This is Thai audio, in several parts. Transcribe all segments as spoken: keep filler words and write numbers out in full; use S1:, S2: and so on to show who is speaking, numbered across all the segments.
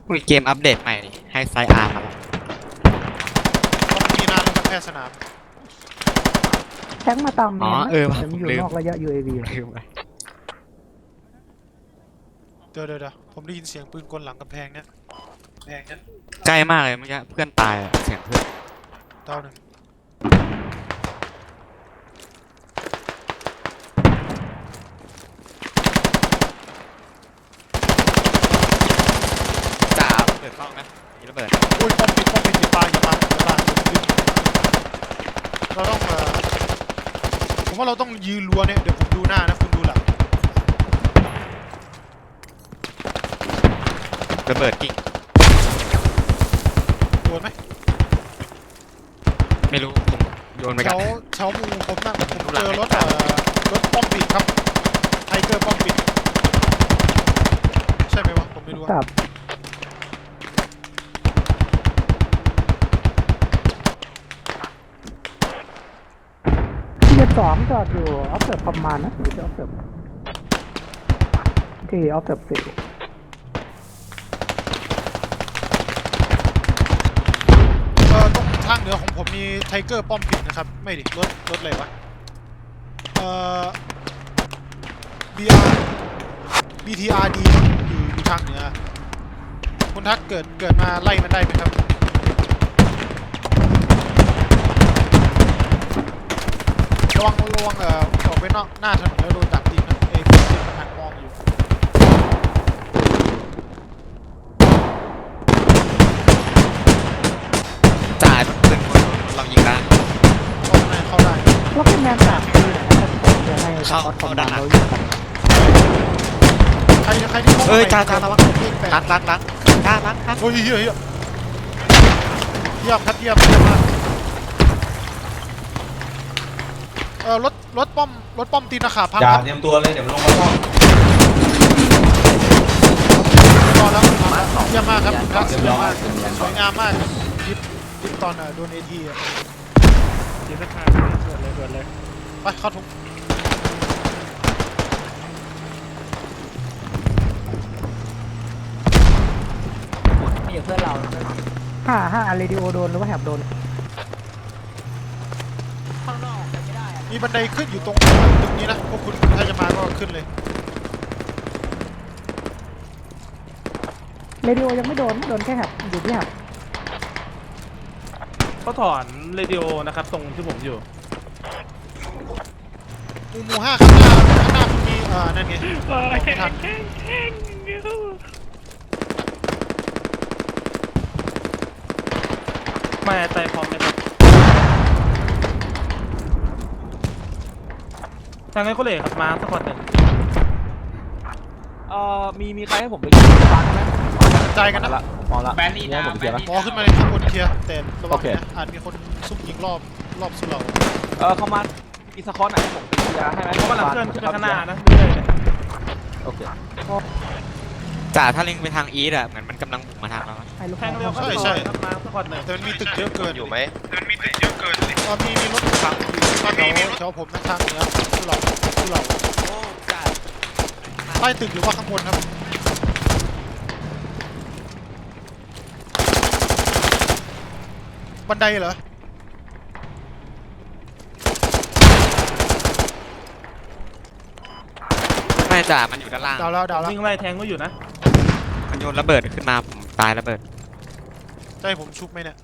S1: มีเกมอัปเดตใหม่ให้ไซอาร์มาแล้ว
S2: ต้องมีนานแล้วครับแพทย์สนาม
S3: แทงมาตามเม
S1: อ๋อน
S3: นะ
S1: เออ
S3: แต่มันอยู่
S1: ลืม
S3: นอกระยะ ยู เอ วี
S1: ลืมไป
S2: เดี๋ยวเดี๋ยวเดี๋ยวผมได้ยินเสียงปืนกลหลังกำแพงเนี่ยกำแพงเนี่ย
S1: ใกล้มากเลยเมื่อกี้เพื่อนตายอะเสียงเพื่อน
S2: ดาวหนึ่ง
S1: จ่าเปิดกล้องนะมีระเบิด
S2: อุ้ยป้อมปิดป้อมปิดอย่าปาอย่าปาอย่าปาเราต้องเอ่อผมว่าเราต้องยืนรัวเนี่ยเดี๋ยวผมดูหน้านะคุณดูหลัง
S1: ระเบิดกิ่ง
S2: โดนไหม
S1: ไม่รู้ผมโยนไป
S2: แถ
S1: กัน
S2: วแถวมูผมนั่งผมเจอรถเอ่อรถป้อมปิดครับไทเกอร์ป้อมปิดใช่ไหมวะผมไม่รู้
S3: ครั
S2: อะ
S3: บที่เจ็ดสองจอดอยู่ออฟเซิร์ฟประมาณนะหรือจะออฟเซิร์ฟที่ออฟเซิร์ฟสี่
S2: เออตรงทางเหนือของผมมีไทเกอร์ป้อมปิดนะครับไม่ดิรถรถอะไรวะเอ่อ บี อาร์ บี ที อาร์ ดี อยู่อยู่ทางเหนือคุณทักเกิดเกิดมาไล่มันได้ไหมครับระวังระวังเอ่อออกไปนอกหน้าถนนแล้วโดนดักยิงนะเอ้ยผมมันหันมองอยู่
S1: จ่าปืนคนเรายิงได้
S2: เข้าได้เข้าได้
S3: ล็อกเป็นแมนสามปีนะครับเดี๋ยวให้ส
S1: เข้า
S3: กอตคอม
S1: เข้าด้าม
S3: าน
S1: หลัง
S3: เราอยู่กัน
S2: ใครใครที่เข้า
S1: เอ้ย
S2: ไป
S1: จ้าจ้า
S2: เกิด
S1: ระวัง
S2: เลขแปด
S1: ล้างล้างล้างจ้าล้างล้าง
S2: โอ้ยเฮียเฮียเยี่ยมครับเยี่ยมเยี่ยมมากเอ่อรถรถป้อมรถป้อมตีนขาพัง
S4: อย่า
S2: ครับ
S4: เตรียมตัวเลยเดี๋ยวมันลงมาซ่อม
S2: รอแล้วเยี่ยมมากครับคุณทักสวยมากสวยงามมากครับยิบยิบตอนเอ่อโดนเอทีอ่ะ
S5: ยิงสักพักเกิดเลยเกิดเลย
S2: ไปเข้าถุง
S6: มีอยู่เพื่อนเรา
S3: ห้าห้าเรดิโอโดนหรือว่าแหบโดน
S6: ข้างนอกไม่ได้อะ
S2: มีบันไดขึ้นอยู่ตรงตรงนี้นะพวกคุณถ้าจะมาก็ขึ้นเลย
S3: เรดิโอยังไม่โดนโดนแค่แหบอยู่ที่แหบ
S5: เขาถอนเรดิโอนะครับตรงที่ผมอยู่
S2: หมู่หมู่ห้าข้างหน้าข้างหน้าคุณมีเอ่อนั่นไงไม่ทัน
S5: ไม่ใจพร้อมไหมครับทางนั้นก็เลยครับมาสักคนหนึ่ง
S6: เอ่อมีมีใครให้ผมไปยิงฟังไหม
S2: ใจกันนะ
S6: มองละแบนนี่นะแบนนี่
S2: หมอขึ้นมาเลยข้างบนเคลียร์แต่ระวั
S6: โอง เค
S2: นะอาจมีคนซุ่มยิงรอบรอบสุเหร่า
S6: เออเขามาอีสคอนไหนผมไปยิงยาให้ไหม
S5: เขากำลังเคลื่อนขึ้นไปข้างหน้านะเรื่อยๆเลย
S6: โอเค
S1: จ่าถ้าลิงไปทางอีสอะเหมือนมันกำลังบุกมาทางเรา
S3: ให้ลูก
S5: แท
S3: น้อง ง
S5: เร็ว
S3: เข้า
S5: เข้า
S2: ใช่
S5: ไป
S2: ใช่
S5: ครับมาสักคนหนึ่ง
S2: แต่มันมีตึกเยอะเกิน
S7: อยู่ไหม
S2: เออมีมีรถถังอยู่แถวแถวผมนะทางเหนือสุเหร่าสุเหร่า
S1: โอ้จ่า
S2: ใต้ตึกหรือว่าข้างบนครับบันไดเหรอ
S1: ไม่จ่ามันอยู่ด้านล่าง
S2: ดาวแล้วดาวแล้ว
S5: วิ่งไล่แทงก็อยู่นะ
S1: มันโยนระเบิดขึ้นมาผมตายระเบิด
S2: ใช่ผมชุบไหมเนี่ย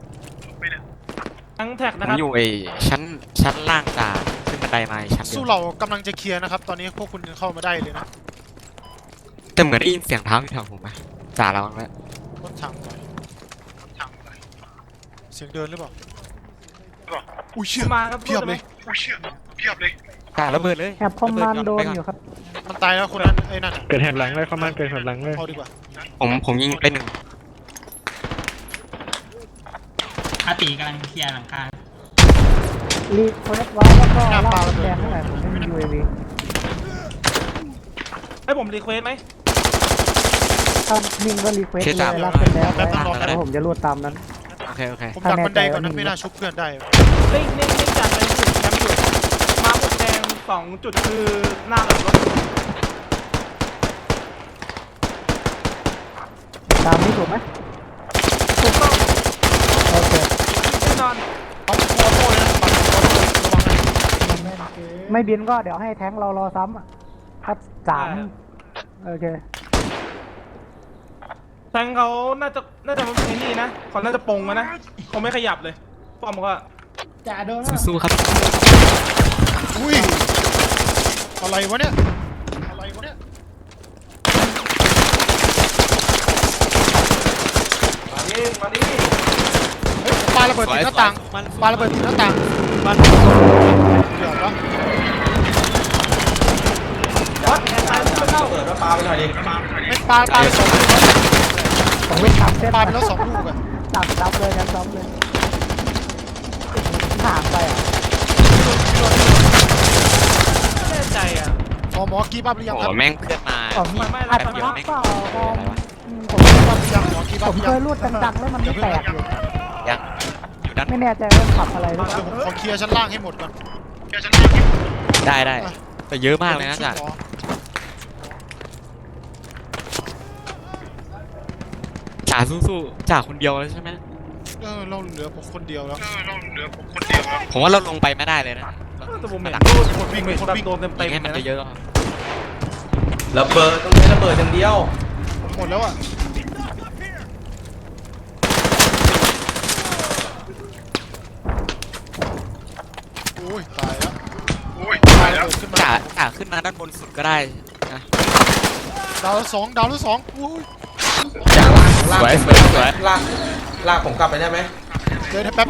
S5: ทั้งแท็ก
S1: ผ
S5: นะ
S1: ม
S5: ครับ
S1: อยู่ไอ้ชั้นชั้นล่างจ่าขึ้นบันไดมาอีกชั้นเดี
S2: สุ
S1: ยว
S2: เหร่ากำลังจะเคลียร์นะครับ ตอนนี้พวกคุณยังเข้ามาได้เลยนะ
S1: แต่เหมือนได้ยินเสียงเท้าอยู่แถวผมไหมจ่าระวังไว้
S2: รถถังหน่อยรถถังหน่อยเสียงเดินหรือเปล่าอุ้ยเชี่ย
S5: มาครับ
S2: เพียบเลย
S1: จ่าระเบิดเลย
S3: แหบคอมมานด์โดนอยู่ครับ
S2: มันตายแล้วคนนั้นไอ้นั่น
S5: เกิดแหบหลังเลยเข้ามาเกิดแหบหลังเลย
S2: เอาดีกว่า
S1: ผมผมยิงไปหนึ่ง
S8: อาตีกำลังเคลียร์หลังคา
S3: รีโคเนตไว้แล้วก็ล่าแดงเท่าไหร่ผมไม่มี ยู เอ วี
S5: ให้ผมรีเควสไหม
S3: ถ้านิ่งก็รีเควสเลยลากเป็นแล้วไว้แล้วผมจะรวดตามนั้น
S1: โอเคโอเค
S2: ผมดักบันไดก่อนนะไม่น่าชุบเพื่อนได้
S5: เล่งเล่งเล่งจากในจุดแคมป์อยู่มาบนแดงสองจุดคือหน้าหลังรถ
S3: ตามนี้ถูกไหม
S5: ถูกต้อง
S3: โอเค
S5: แน่นอน
S2: ต้องโมโต้เลยนะปัดระวังเลย
S3: ไม่บินก็เดี๋ยวให้แท้งเรารอซ้ำอะถ้าสามโอเค
S5: แทงเขาน่าจะน่าจะไอ้นี่นะเขาน่าจะปงมานะเขาไม่ขยับเลยป้อมก็
S1: สู้ๆครับ
S2: อุ้ยอะไรวะเนี่ยอะไรวะเนี่ย
S6: มาดิมาดิ
S2: เฮ้ยปาระเบิดติดหน้าต่างปาระเบิดติดหน้าต่าง
S1: มัน
S2: เดี๋ยวนะ
S6: วัดแอนตายไม่เข้าเปิดว่าปลาไปหน่อยดิ
S2: ไม่ปาปาไปสองลูก
S3: สองลูกสามเส้น
S2: ปาไปแล้วสองลูกอะ
S3: สามซ้ำเลยงั้นซ้ำเลยห่างไปอ่ะ
S5: ไม่แน่ใจอ่ะ
S2: หมอหมอกีบับหรือยัง
S1: โอ้
S2: ครับ
S1: แม่งเพื่อนมา
S3: ผม
S5: ไม่ไม่
S3: อาจ
S1: แป๊
S3: จะ
S1: บเดียว
S3: รับ
S1: แม่ง
S3: เปล่าผม
S1: อะไรวะ
S3: อืมผม
S2: กีบับหรือยังหมอกีบั
S3: ผ
S2: บห
S3: ม
S2: รือ
S3: เค
S2: ยัง
S3: ยรูดดังๆแล้วมันไม่แตกอยู่
S1: ยังอยู่ด้าน
S3: ไม่แน่ใจว่าขับอะไรหรือเป
S2: เดี๋ยว
S3: ล่า
S2: ผมขอเคลียร์ชั้นล่างให้หมดก่อนเคลียร์ชั้นล่างให้หมด
S1: ได้ได้แต่เยอะมากเลยนะจ่า
S2: หมอ
S1: จ่าสู้ๆจ่าคนเดียวเลยใช่ไหม
S2: เออเราเหลือผมคนเดียวแล้วเออเราเหลือผมคนเดียวแล้ว
S1: ผมว่าเราลงไปไม่ได้เลยนะ
S5: แต่ผมเห็น
S1: หลัง
S5: รูดคนวิ่งแบบโดนเต็ม
S1: ยิ
S5: เต็
S1: ง
S5: ม
S1: ให้มัน
S5: นะ
S1: เยอะๆครับ
S6: ระเบิดตรงนี้ระเบิดอย่างเดียว
S2: หมดแล้วอ่ะโอ้ยตายแล้วโอ้ยตายแล้วขึ้นมา
S1: จ่าจ่าขึ้นมาด้านบนสุดก็ได้นะ
S2: ดาวละสองดาวละสองโอ้ย
S6: จากลากลาก
S1: สวยสวยสวย
S6: ลากลากผมกลับไปได้ไหม
S2: เดี๋ยวนะแป๊บ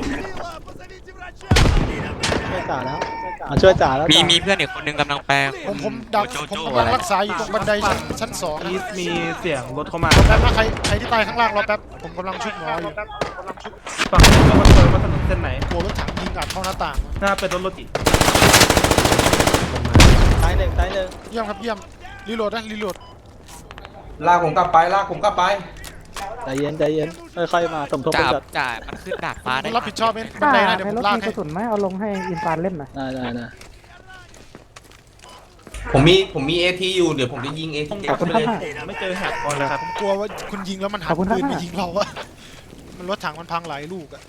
S3: ช่วยจ่าแล้วมาช่วยจ่าแล้ว
S1: มีมีเพื่อนอีกคนนึงกำลังแปล
S2: ผมผมดัก
S1: โจ
S2: ผม
S1: โจ้
S2: กำ
S1: อะ
S2: ลัง
S1: ไร
S2: รักษาอยู่ตรงบันไดชั้นชั้นสองนะ
S5: อีสมีเสียงรถเข้ามา
S2: แป๊บนะใครใครที่ตายข้างล่างรอแป๊บผมกำลังชุบหมออยู่
S5: ฝั่งนู้นก็มาเปิดมาถนนเส้นไหน
S2: กลัวรถถังยิงอัดเข้าหน้าต่าง
S5: น่าเป็นรถรถจิ
S3: ตายหนึ่งตายหนึ่ง
S2: เยี่ยมครับเยี่ยมรีโหลดนะรีโหลด
S6: ลากผมกลับไปลากผมกลับไป
S3: ใจเย็นใจเย็นค่อยๆมาสมทบ
S1: จ่า
S3: กัน
S1: จ่ามันขึ้นดาดฟ้าได้
S2: ผมรับผิดชอบเองบันไดนะเดี๋ยวผมลาก
S3: มีก
S2: ให้
S3: ระสุนไหมเอาลงให้อินฟานเล่นหน่อยได้ได้ได้
S6: ผมมีผมมีเอทีอยู่เดี๋ยวผมจะยิงเอที
S3: ขอบคุณครับ
S5: ไม่เจอแฮกก่อนเลยครับ
S2: ผมกลัวว่าคุณยิงแล้วมันหั
S3: ขอน บคุณครับ
S2: ปืนไปยิงเราอะมันรถถังมันพังหลายลูกอะ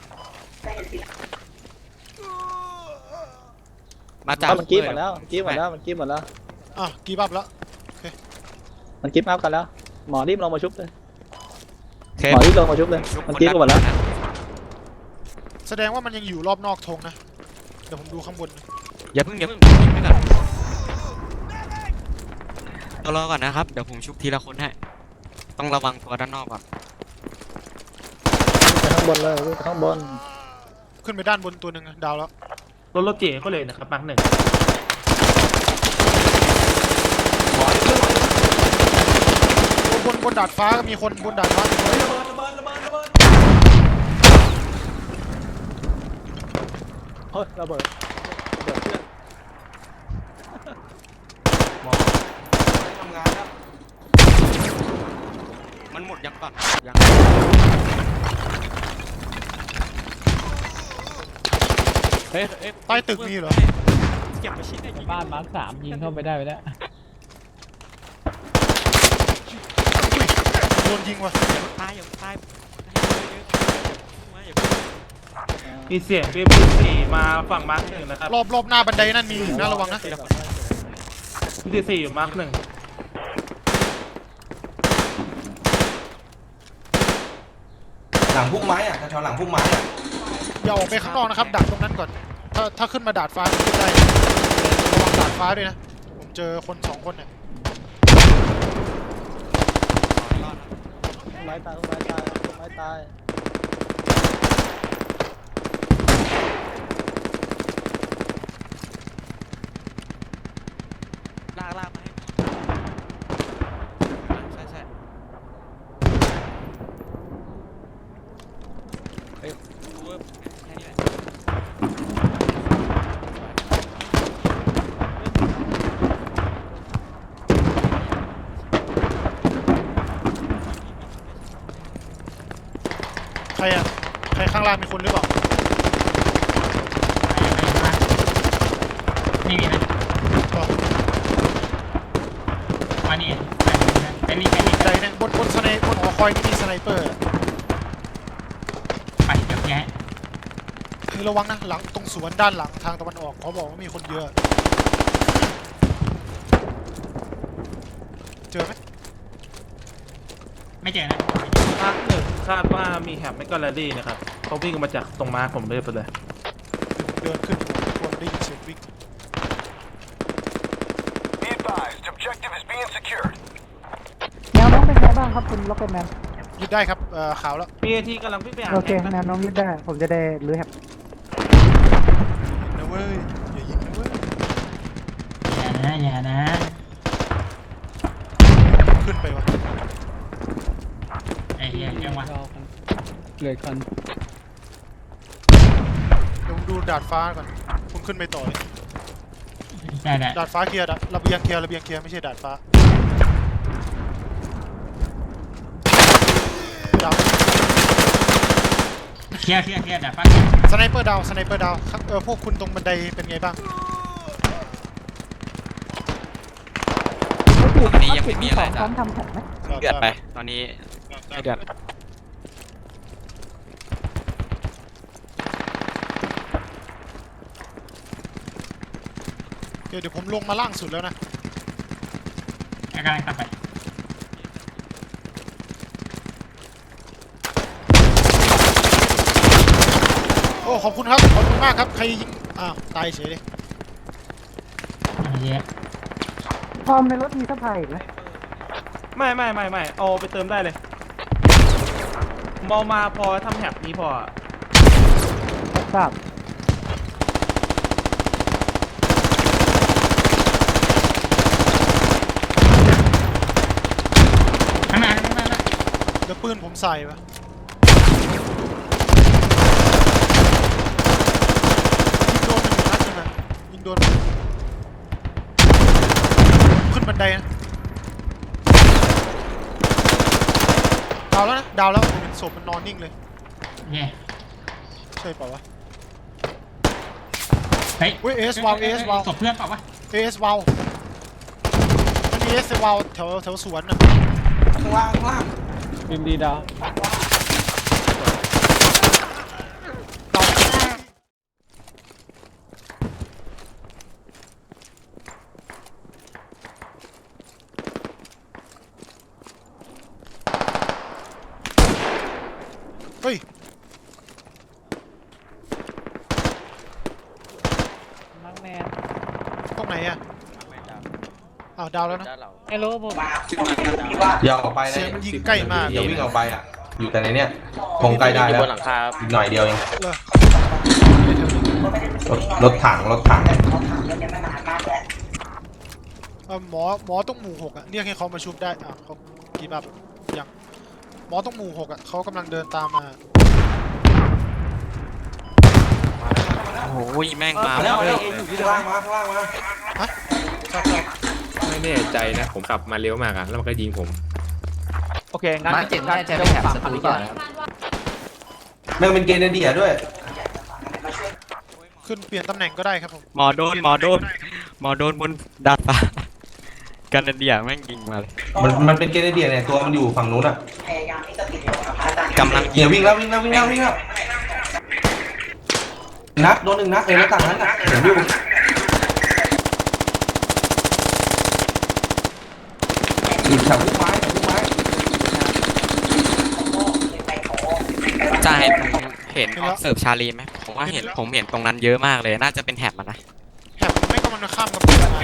S1: มาจ่า
S4: มันกิ๊บหมดแล้วมันกิ๊บหมดแล้วมันกิ๊บหมดแล้ว
S2: อ่ะกีบับแล้ว
S4: มันกิ๊บอัพกันแล้ว หมอรีบลงมาชุบเลย
S1: เท
S4: หมอรีบลงมาชุบเลย มันกิ๊บกันหมดแล้ว
S2: แสดงว่ามันยังอยู่รอบนอกธงนะเดี๋ยวผมดูข้างบนนะ
S1: อย่าเพิ่งอย่าเพิ่งยิงไปก่อนรอก่อนนะครับเดี๋ยวผมชุบทีละคนให้ต้องระวังตัวด้านนอกก่อน
S4: ไปข้างบนเลยไปข้างบน
S2: ขึ้นไปด้านบนตัวหนึ่งนะดาวแล้ว
S5: รถรถเจ๋ก็เลยนะครับมาร์กหนึ่ง
S2: บนบนดาดฟ้าก็มีคนบนดาดฟ้ามีคน
S4: เฮ้ยระเบิดระเบิดเพื่อน
S6: ทำงานแล้ว
S1: มันหมดยังก่อนยัง เฮ้ยเฮ้ย
S2: ใต้ตึกมีเหรอ
S1: เก็บไปชิ้นเนี่ยยิง
S7: บ้านมาร์คสามยิงเข้าไปได้ไปแล้ว
S2: อุ้ยโดนยิงว่ะ
S1: อย่าตายอย่าตายอย่าเพิ่ง
S5: มีเสียงพีพีสี่มาฝั่งมาร์กหนึ่งนะครับ
S2: รอบรอบหน้าบันไดนั่นมีอยู่นะระวังนะ
S5: พีพีสี่อยู่มาร์กหนึ่ง
S6: หลังพุ่มไม้อ่ะแถวๆหลังพุ่มไม้อ่ะ
S2: อย่าออกไปข้างนอกนะครับดักตรงนั้นก่อน ถ้าถ้าขึ้นมาดาดฟ้าขึ้นได้ระวังดาดฟ้าด้วยนะผมเจอคนสองคนเนี่ย
S4: ต้นไม้ตายต้นไม้ตายต้นไม้ตาย
S1: ลากลากมาให้ใช่ใช่เฮ้ยดูว่าแค่นี้แหละ
S2: ใครอะใครข้างล่างมีคนหรือเปล่า
S8: ไม่มีนะ
S2: ก็
S8: อ๋อนี่ไอ้นี่ไอ้นี่
S2: ใจเนี่ยบนบนสเนบนหอคพอยต์ที่มีสไนเปอร์
S8: ไปเดี๋ยวแยะ
S2: เฮ้ยระวังนะหลังตรงสวนด้านหลังทางตะวันออกเขาบอกว่ามีคนเยอะเจอไหม
S8: ไม่เจอนะ
S5: มาร์คหนึ่งคาดว่ามีแฮปไม่ก็แรลลี่นะครับเขาวิ่งมาจากตรงมาร์คผมเลยไปเลย
S2: เดินขึ้นคนได้ยินเสียงวิ่ง
S9: Be advised, objective is being secured.
S3: แนวน้องเป็นไงบ้างครับคุณล็อกเก็ตแมน
S2: ยึดได้ครับเอ่อขาวแล้ว
S5: มีทีกำลังวิ่งไปหา
S3: โอเค
S5: แฮป
S3: แน
S5: นะ
S3: วน้องยึดได้ผมจะได้รื้อแฮป
S2: นะเว้ยอย่ายิงนะเว้ย
S8: อย่านะอย่านะ
S2: ขึ้นไปวะ
S8: ไอ้เหี้ยเรื่องวะ
S7: เหลือคัน
S2: เดี๋ยวผมดูดาดฟ้าก่อนคุณขึ้นไปต่อเลย
S8: ได้ได้
S2: ดาดฟ้าเคลียร์ดาดระเบียงเคลียร์ระเบียงเคลียร์ไม่ใช่ดาดฟ้าดาว
S8: เคลียร์เคลียร์เคลียร์เดี๋ยวฟังเคลียร์
S2: สไนเปอร์ดาวสไนเปอร์ดาวครับเออพวกคุณตรงบันไดเป็นไงบ้าง
S1: ตอนนี้ยังไม่มีอะไร
S3: พร้
S1: จ้ะ
S3: อมทำแผนไหม
S1: เดือดไป ตอนนี้ไม่เดือด
S2: เดี๋ยวเดี๋ยวผมลงมาล่างสุดแล้วนะ
S8: กำลังตัดไป
S2: โอ้ขอบคุณครับขอบคุณมากครับใครยิงอ้าวตายเฉยเลย
S8: ไอ้เหี้ย
S3: พร้อมในรถมีสะพายอีกไหม
S5: ไม่ไม่ไม่ไม่เอาไปเติมได้เลยมองมาพอทำแฮปนี้พอ
S3: รับทราบ
S8: ข้างหน้าข้างหน้าข้างหน้า
S2: เดี๋ยวปืนผมใส่ปะยิงโดนมันอยู่นัดนึงอะยิงโดนขึ้นบันไดนะดาวแล้วนะดาวแล้วผมเห็นศพมันนอนนิ่งเลย
S8: เหี้ย
S2: ใช่เปล่าวะ
S8: เฮ้ย
S2: เว้ย เอส วาว เอส วาว
S8: ศพเพื่อนเปล่าวะ
S2: เอสวาวมันมีเอสวาวแถวแถวสวนน่ะ
S6: ข้างล่างข้างล่าง
S7: บิมดีดาว
S2: ดาวเฮ้ย
S7: มังแมน
S2: ตรงไหนอะอ้าวดาวแล้วนะ
S7: ไอ้โลผม
S6: อย่าออกไปนะ
S2: เสียงมันยิงใกล้มาก
S6: อย่าวิ่งออกไปอ่ะ อยู่แต่ในเนี้ยคงใกล้ได้แล้วอีกหน่อยเดียวเอง
S2: เลย
S6: รถรถถังรถถัง
S2: เอ่อหมอหมอต้องหมู่หกอะเรียกให้เขามาชุบได้อ่ะเขากีบับยังหมอต้องหมู่หกอะเขากำลังเดินตามมา
S1: โอ้โหแม่งมา
S6: มาแล้วมา
S1: เล
S6: แล้ว
S1: ย
S6: ข้างล่างมาข้างล่างมา
S2: ฮะชอบชอบ
S10: ไม่แน่ใจนะ ผมขับมาเร็วมากอะแล้วมันก็ยิงผม
S4: โอเคงั้นมาเจ็ดน่าจะเป็นแถบศัตรูก่อนนะครับ
S6: แม่งเป็นเกเนเดียด้วย
S2: ขึ้นเปลี่ยนตำแหน่งก็ได้ครับผม
S1: หมอโดนหมอโดนหมอโดนบนดาดฟ้ากันเดียแม่งยิงมาเลย
S6: มันมันเป็นเกเนเดียเนี่ยตัวมันอยู่ฝั่งนู้นอ่ะ
S1: กำลังยิ
S6: เดี๋ย
S1: ง
S6: ววิ่งแล้ววิ่งแล้ววิ่งแล้ววิ่งแล้วนัดโดนหนึ่งนัดเลยหน้าต่างนั้นอ่ะเห็นอยู่อยู่แถวพุ่มไม้แถวพุ่มไม้
S1: จะให้ผมเห็นออกเสิร์ฟชาลีไหมผมว่าเห็นผมเห็นตรงนั้นเยอะมากเลย น่าจะเป็นแถบมันนะ
S2: แถบไม่ก็มันข้ามกับปืนมา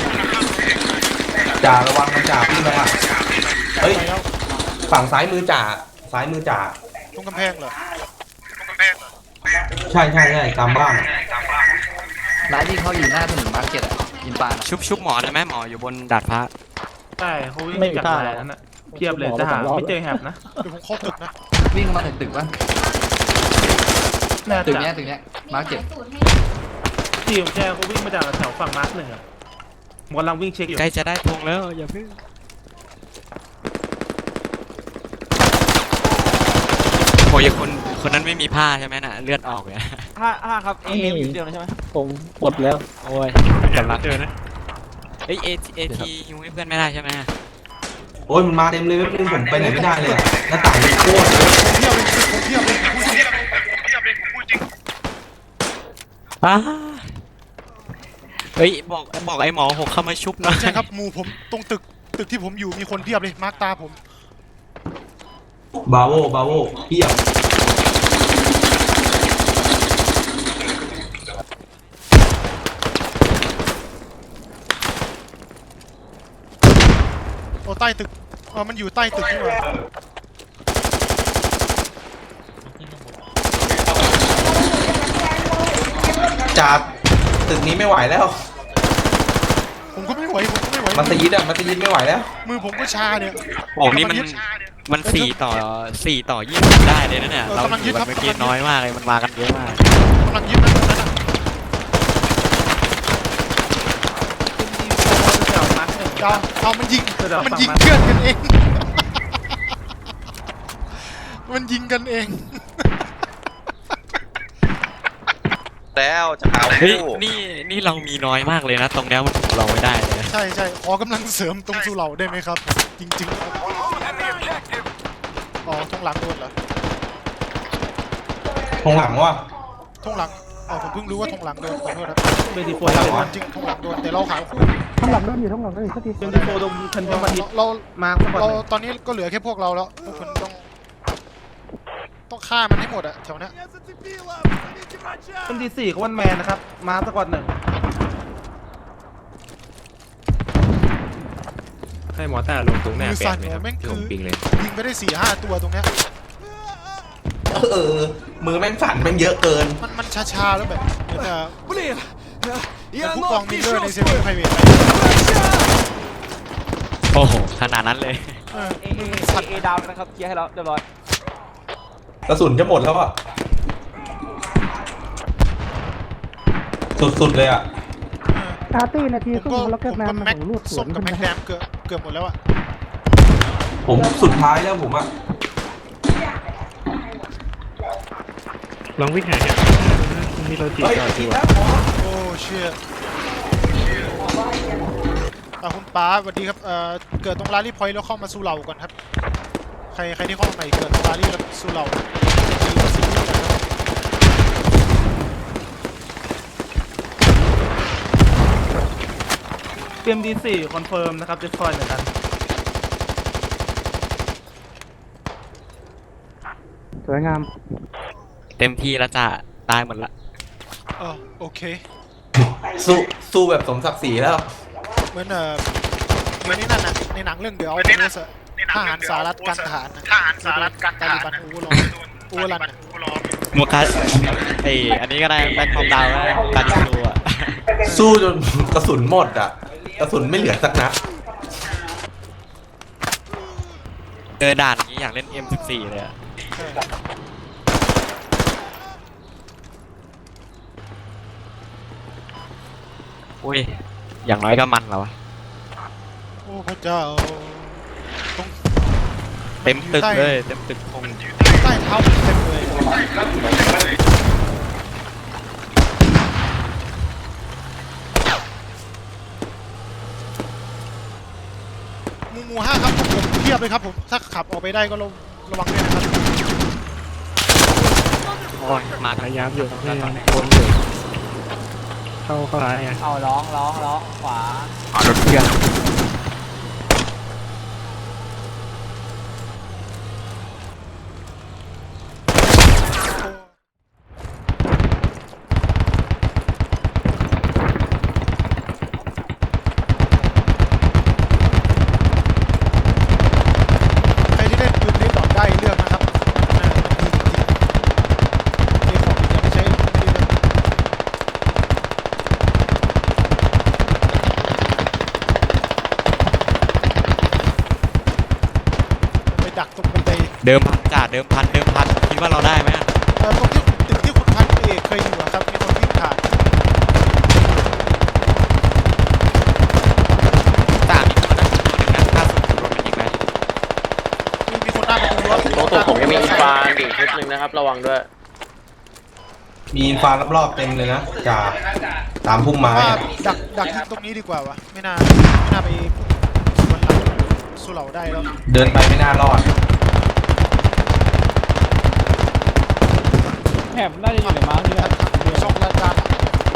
S6: จ่าระวังมันจ่าพี่ระวังเฮ้ย
S2: ไปแล้ว
S6: ฝั่งซ้ายมือจ่าซ้ายมือจ่า
S2: ตรงกำแพงเหรอ
S6: ใช่ใช่ใช่ตามบ้านอะ
S4: ร้านที่เขาอยู่หน้าถนนมาร์เก็ตอ่ะยินปาน
S1: ชุบชุบหมอได้ไหมหมออยู่บนดาดฟ้า
S5: ใช่เขาวิ่งจากมาแล้วนะเพียบเลยจะหาไม่เจอแฮปนะ
S2: เดี๋ยวผมเข้าตึกนะ
S4: วิ่งมาถึงตึกวะ
S5: น่า
S4: ตึก
S5: จะ
S4: เนี้ยตึกเนี้ยมาร์เก็ต
S5: ทีมแชร์เขาวิ่งมาจากแถวฝั่งมาร์คหนึ่งอะผมกำลังวิ่งเช็คอยู่
S1: ใกล้จะได้ธงแล้วอย่าเพิ่งโอ้ยคนคนนั้นไม่มีผ้าใช่ไหมน่ะเลือดออกเลย
S4: ห้าห้าครับเอ็มอยู่เดียวนะใช่ไหม
S7: ผมหมดแล้ว
S1: โอ้ยกำลังเจอนะเอ้ยเอเอทีฮิวให้เพื่อนไม่ได้ใช่ไหม
S6: โอ้ยมันมาเต็มเลยแป๊บนึงผมไปไหนไม่ได้เลยอะหน้าต่างมันโคตรเยอะ
S2: เทียบเลยผมเทียบเลยผมพูดจริงเทียบเลยผมพูดจริง
S1: อ้าเฮ้ยบอกบอกไอ้หมอหกเข้ามาชุบหน่อย
S2: ใช่ครับหมู่ผมตรงตึกตึกที่ผมอยู่มีคนเทียบเลยมาร์คตาผม
S6: บาโวบาโวเพียบ
S2: โอ้ใต้ตึกเออมันอยู่ใต้ตึกนี่หว่า
S6: จากตึกนี้ไม่ไหวแล้ว
S2: ผมก็ไม่ไหวผมก็ไม่ไหว
S6: มัสยิดอะมัสยิดไม่ไหวแล้ว
S2: มือผมก็ชาเนี่ย
S1: โอ้นี่มันมันสี่ต่อสี่ต่อยี่สิบได้เลยนะเนี่ยเราถือว่าเมื่อกี้น้อยมากเลยมันมากันเยอะมาก
S2: กำลังยึดนะตรงนั้นอะ
S5: เดี๋ยวมาร์คหนึ่ง
S2: เอาเอามันยิง
S5: เดี๋ยว
S2: มัน
S5: ฝั่ง
S2: ยิง
S5: มัน
S2: เพื่อนกันเอง มันยิงกันเอง
S11: แล้วจะเอา
S1: เฮ้ยนี่นี่เรามีน้อยมากเลยนะตรงเนี้ยมันถูกเราไม่ได้เลยนะ
S2: ใช่ใช่ขอกำลังเสริมตรงสุเหร่าได้ไหมครับ จริงๆครับ
S9: Losing the objective.
S2: อ๋อทงหลังโดนเหรอ
S6: ทงหลังว่ะ
S2: ทงหลังอ๋อผมเพิ่งรู้ว่าทงหลังโดนขอโทษครับ
S5: เบดีโฟ
S6: หลัง
S5: เ
S6: วะ
S2: จริงทงหลังโดนแต่เราขายคู่
S3: ข้างหลังโดนอยู่ข้างหลังโดนอยู่สักที
S5: บดีโฟตรงทันเทมบัติ
S2: เรา
S5: มาร์คก่อน
S2: เรา
S5: เลย
S2: ตอนนี้ก็เหลือแค่พวกเราแล้วพวกคุณต้องต้องฆ่ามันให้หมดอะแถวเนี้ย
S5: เป็นดีสี่ของวันแมนนะครับ มาสกอตหนึ่ง
S10: ให้มอต้าลงตรงหน้า
S2: มือ
S10: แป
S2: สั่
S10: ด
S2: น
S10: ไหมครับ
S2: แม่ง
S10: ที่
S2: คื
S10: ผ
S2: อ
S10: มปิงเลย
S2: ยิงไปได้สี่ห้าตัวตรงเนี้ย
S6: เออมือแม่งสั่นแม่งเยอะเกิน
S2: มันมันชาๆแล้วแบบเหมือนจะเหมือนผู้กองมิลเลอร์ในเซเว่นไพรเวท
S1: โอ้โหขนาดนั้นเลย
S2: เออ
S7: เอเอดาวนะครับเคลียร์ให้แล้วเรียบร้อย
S6: กระสุนจะหมดแล้วอ่ะ สุดๆเลยอ่ะ
S3: อาร์ตี้นาที
S2: ผม
S3: ครึ่
S2: ก็
S3: งแล้ว
S2: ผ
S3: ก็
S2: ม
S3: น้ำ
S2: ก็
S3: มัน
S2: แม็ก
S3: ของลูดสว
S2: ส้
S3: น
S2: มกับ
S3: ขึ้น
S2: แม็ก
S3: มา
S2: แดมเกือบเกือบหมดแล้วอะ
S6: ผมสุดท้ายแล้วผมอ่ะ
S7: ลองวิ่งหาเนี่ยมีเราจีบ
S6: เฮ้ย
S7: ต่อ
S6: ผิ
S7: ดี
S6: ด
S7: กว่า
S6: แล้วหมอ
S2: โอ้เชี่ยอ่ะคุณป้าสวัสดีครับเอ่อเกิดตรงลารีพอยต์แล้วเข้ามาสู่เหล่าก่อนครับใครใครที่เข้ามาใหม่เกิดตรงลารีแล้วสู่เหล่าดีกว่าซีรีส์นะครับ
S5: เตรียมดีสี่คอนเฟิร์มนะครับเดสคอยเหมือนกัน
S3: สวยงาม
S1: เต็มที่แล้วจะตายหมดละ
S2: เออโอเค
S6: สู้สู้แบบสมศักดิ์ศรีแล้ว
S2: เหมือนเอ่อเหมือนในนั่นน่ะในหนังเรื่องเดียวเอาเนสทหารสหรัฐกันทหารทหารสหรัฐกันตาลิบันอูรออูรันน่ะ
S1: โมกาไออันนี้ก็ได้แบ็คคอมดาวก็ได้การยิงรูอ่ะ
S6: สู้จนกระสุนหมดอ่ะ กระสุนไม่เหลือสักนัด
S1: เจอด่านนี้อยากเล่น เอ็ม สิบสี่ เลยอะ
S2: ใช่
S1: อุ้ยอย่างน้อยก็มันแล้ววะ
S2: โอ้พระเจ้าตรง
S1: เต็มตึกเลยเต็มตึกคง
S2: ใต้เท้าผมเต็มเลยหมูหมูห้าครับผมเทียบเลยครับผมถ้าขับออกไปได้ก็ระระวังด้วยนะครับ
S1: โอ้ยมา
S7: พยายามอยู่พยายามวนอยู่เข้าเข้าซ้ายไง
S3: เอาร้องร้องร้องขวา
S1: ขวารถเพื่อน
S2: ใครที่เล่นปืนนี้ดอกได้เลือกนะครับอ่าดีจริงๆเกมของอย่าไปใช้ไม่ดีเลยไปดักตรงบันได
S1: เดิมพันจ่าเดิมพันเดิมพันคิดว่าเราได้ไหมอะ
S2: เอ่อตรงที่ตึกที่คุณพันเอกเคยอยู่อะครับมีคนวิ่งผ่าน
S1: จ่ามีคนนั่งตัวหนึ่งนะล่าสุดโดนมันยิงไหม
S2: มีมีคนหน้าประตูรถ
S11: โอ้ตัวผมยังมีอินฟานอยู่ชุดหนึ่งนะครับ ระวังด้วย
S6: มีอินฟารอบๆเต็มเลยนะจ่าตามพุ่มไม้
S2: ว่า
S6: อะ
S2: ดักดักยิงตรงนี้ดีกว่าวะไม่น่าไม่น่าไปสวนหลังสสุเหร่าได้แล้ว
S6: เดินไปไม่น่ารอด
S5: แหบน่าจะอยู่ในม้าที่นั่น
S2: ช่องรายการ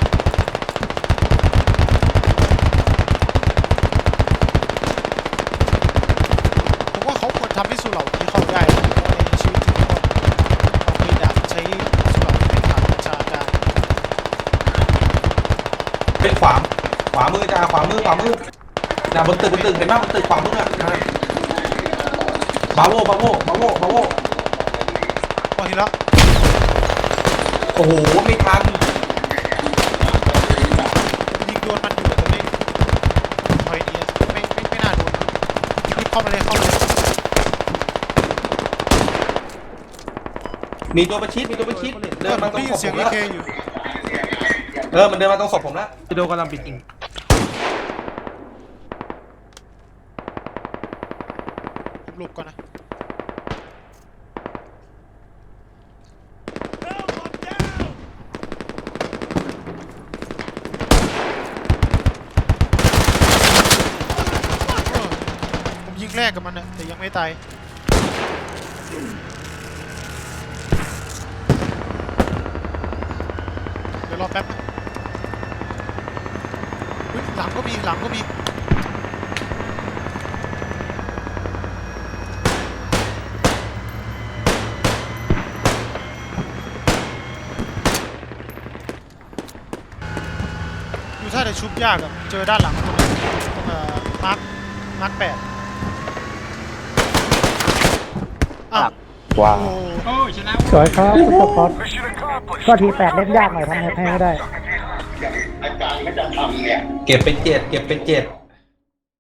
S2: ผมว่าเขาควรทำให้สุเหร่านี้เข้าได้นะเพราะว่าในชีวิตจริงก็เอาไปดักใช้สุเหร่าที่เป็นฐานประชาการ
S6: เป็นขวาขวามือจ้าขวามือขวามือน่ะบนตึกบนตึกเห็นไหมบนตึกขวามืออ่ะอ่ะบาโวบาโวบาโวบาโว
S2: พอทีแล้ว
S6: โอ้โหไม่ทัน
S2: ยิงโดนมันอยู่แต่ไม่พอยเนียไม่ไม่ไม่น่าโดนรีบเข้ามาเลยเข้ามาเลย
S6: มีตัวประชิดมีตัวประชิดเดินมาตรง
S2: ได้ยิ
S6: ศ
S2: น
S6: พ
S2: เสีย
S6: ผ
S2: ง
S6: ม
S2: อี
S6: แล้ว
S2: เคอยู่
S6: เออมันเดินมาตรงศพผมแล้ว
S5: พี่โดกำลังปิดยิง
S2: หลบก่อนนะเออผมยิงแรกกับมันนะแต่ยังไม่ตายเดี๋ยวรอแป๊บนะเฮ้ยหลังก็มีหลังก็มีอยู่ท่าแต่ชุบยากอะเจอด้านหลังตรงนี้ตรงเอ่อมาร์คมาร์คแปดอ้าว
S3: ว้าว
S2: โอ้
S8: โอ้ยชนะ
S3: สวยครับคุณสปอร์ต
S9: Mission accomplished.
S3: ก็ทีแปดเล่นยากหน่อยทำให้ให้ไม่ได้
S6: เก็บไปเจ็ดเก็บไปเจ็ด